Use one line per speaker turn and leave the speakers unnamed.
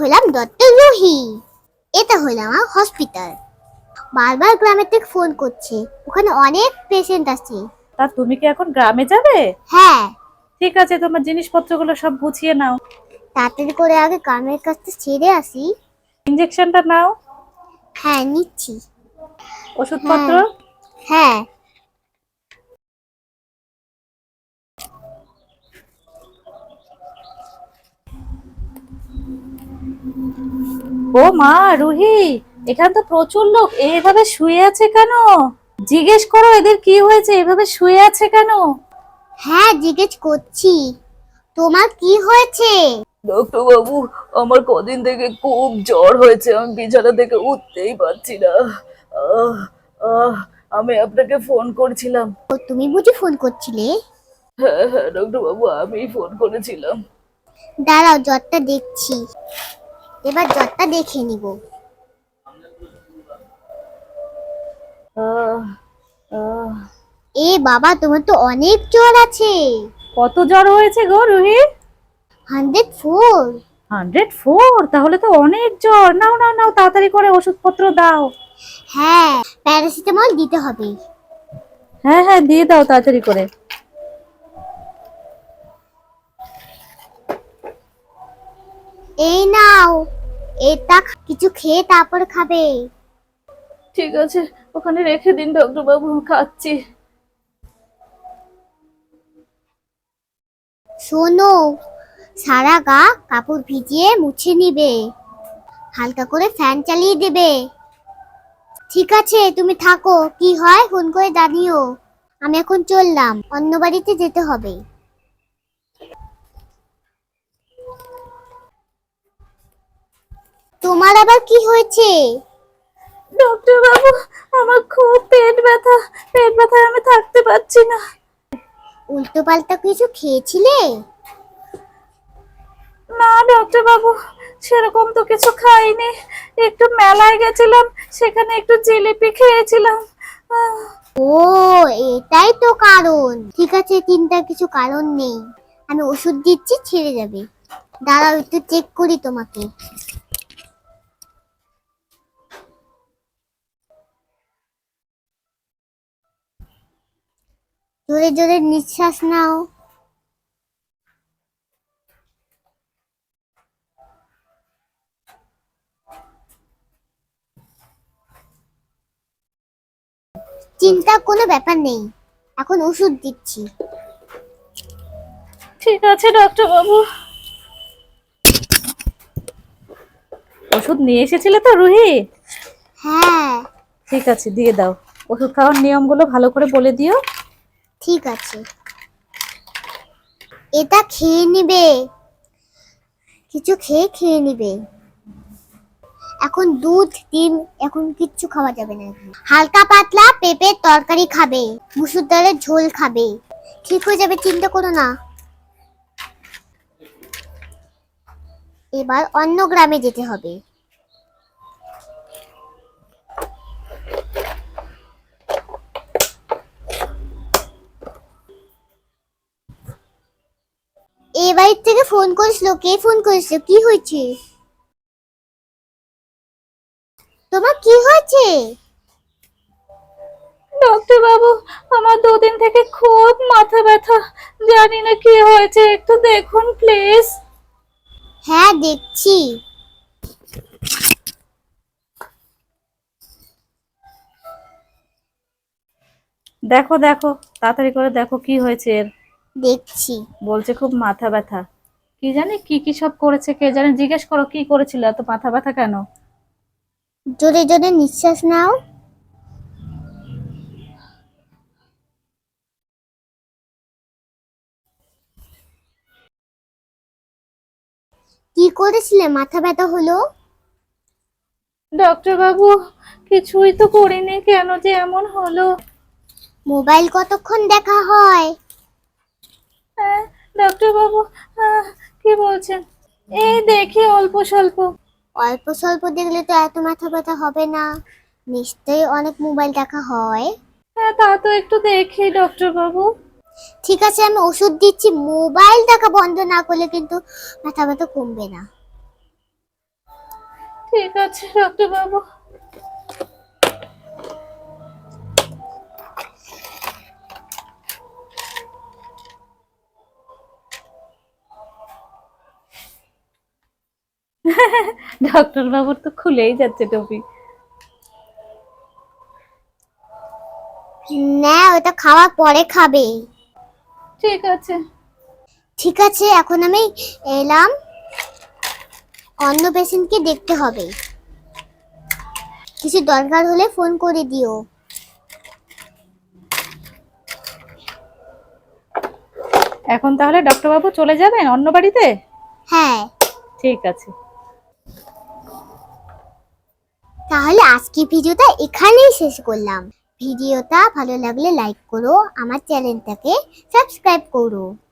হলাম ডক্টর রুহি। এটা হলাম আমার হসপিটাল। বারবার গ্রামের থেকে ফোন করছে, ওখানে অনেক পেশেন্ট আছে।
তা তুমি কি এখন গ্রামে যাবে?
হ্যাঁ।
ঠিক আছে, তোমার জিনিসপত্রগুলো সব গুছিয়ে নাও।
তাড়াতাড়ি করে আগে গ্রামের কাছে ছেড়ে আসি।
ইনজেকশনটা নাও।
হ্যাঁ, নিচ্ছি।
ওষুধপত্র।
হ্যাঁ। হ্যাঁ।
ও মা, রুহি, এখানে তো প্রচুর লোক, এইভাবে শুয়ে আছে কেন? জিজ্ঞেস করো এদের কি হয়েছে, এভাবে শুয়ে আছে কেন?
হ্যাঁ, জিজ্ঞেস করছি। তোমার কি হয়েছে?
ডক্টর বাবু, আমার কদিন থেকে খুব জ্বর হয়েছে, আমি বিছানা থেকে উঠতেই পারছি না। আহ, আহ, আমি আপনাকে ফোন করছিলাম।
ও, তুমি বুঝি ফোন করছিলে?
হ্যাঁ হ্যাঁ ডক্টর বাবু, আমি ফোন করেছিলাম।
দাঁড়াও, জ্বরটা দেখছি। এবার জ্বরটা দেখে নিব।
আহ, আহ,
এ বাবা, তোমার তো অনেক জ্বর আছে।
কত জ্বর হয়েছে গো রুহি?
104।
104? তাহলে তো অনেক জ্বর। নাও নাও নাও, তাড়াতাড়ি করে ওষুধপত্র দাও।
হ্যাঁ, প্যারাসিটামল দিতে হবে।
হ্যাঁ হ্যাঁ, দিয়ে দাও তাড়াতাড়ি করে।
এই নাও, এটা কিছু খেয়ে তারপর খাবে।
ঠিক আছে, ওখানে রেখে দিন ডক্টর বাবু, খাচ্ছি।
শোনো, সারা গা কাপড় ভিজিয়ে মুছে নিবে, হালকা করে ফ্যান চালিয়ে দেবে। ঠিক আছে, তুমি থাকো, কি হয় ফোন করে জানিও। আমি এখন চললাম, অন্য বাড়িতে যেতে হবে। তোমার আবার কি হয়েছে?
ডক্টর বাবু, আমার খুব পেট ব্যথা, পেট ব্যথায় আমি থাকতে পারছি না।
উল্টো পাল্টা কিছু খেয়েছিলে?
না ডক্টর বাবু, সেরকম তো কিছু খাইনি। একটু মেলায় গেছিলাম, সেখানে একটু জিলিপি খেয়েছিলাম। আহ,
ও, এটাই তো কারণ। ঠিক আছে, চিন্তার কিছু কারণ নেই। আমি ওষুধ দিচ্ছি, ছেড়ে যাবে। দাঁড়াও, একটু চেক করি তোমাকে। জোরে জোরে নিঃশ্বাস নাও। চিন্তার কোনো ব্যাপার নেই, এখন ওষুধ দিচ্ছি।
ঠিক আছে ডক্টর বাবু।
ওষুধ নিয়ে এসেছিলে তো রুহি?
হ্যাঁ।
ঠিক আছে, দিয়ে দাও। ওষুধ খাওয়ার নিয়মগুলো ভালো করে বলে দিও।
ঠিক আছে, এটা খেয়ে নিবে, কিছু খেয়ে নিবে। এখন দুধ ডিম এখন কিচ্ছু খাওয়া যাবে না। হালকা পাতলা পেঁপের তরকারি খাবে, মুসুর ডালের ঝোল খাবে। ঠিক হয়ে যাবে, চিন্তা করো না। এবার অন্য গ্রামে যেতে হবে। এই বাড়ির থেকে ফোন করেছিল, কে ফোন করেছিল, কি হয়েছে? তোমার কি হয়েছে?
ডক্টর বাবু, আমার 2 দিন থেকে খুব মাথা ব্যথা, জানি না কি হয়েছে, একটু দেখুন প্লিজ।
হ্যাঁ, দেখছি।
দেখো দেখো, তাড়াতাড়ি করে দেখো কি হয়েছে এর।
দেখছি।
বলছে খুব মাথা ব্যথা। কি জানি কি কি সব করেছে, কে জানে। জিজ্ঞেস করো কি করেছিল, এত মাথা ব্যথা কেন?
জোরে জোরে নিঃশ্বাস নাও। কি করেছিলে মাথা ব্যথা হলো?
ডক্টর বাবু, কিছুই তো করিনি, কেন যে এমন হলো?
মোবাইল কতক্ষণ দেখা হয়?
হ্যাঁ ডক্টর বাবু, কি বলছেন? এই দেখি অল্প স্বল্প।
অল্প স্বল্প দেখলে তো এত মাথা ব্যথা হবে না, নিশ্চয়ই অনেক মোবাইল দেখা হয়।
হ্যাঁ, তা তো একটু দেখি ডক্টর বাবু।
ঠিক আছে, আমি ওষুধ দিচ্ছি, মোবাইল দেখা বন্ধ না করলে কিন্তু মাথা ব্যথা কমবে না।
ঠিক আছে ডাক্তার বাবু। ডক্টর বাবুর তো খুলেই যাচ্ছে টপি।
না, ওটা খাওয়ার পরে খাবে।
ঠিক আছে।
ঠিক আছে, এখন আমি এলাম, অন্য পেশেন্টকে দেখতে হবে। কিছু দরকার হলে ফোন করে দিও।
এখন তাহলে ডক্টর বাবু চলে যাবেন অন্য বাড়িতে?
হ্যাঁ,
ঠিক আছে।
তাহলে আজকে ভিডিওটা এখানেই শেষ করলাম। ভিডিওটা ভালো লাগলে লাইক করো, আমার চ্যানেলটাকে সাবস্ক্রাইব করো।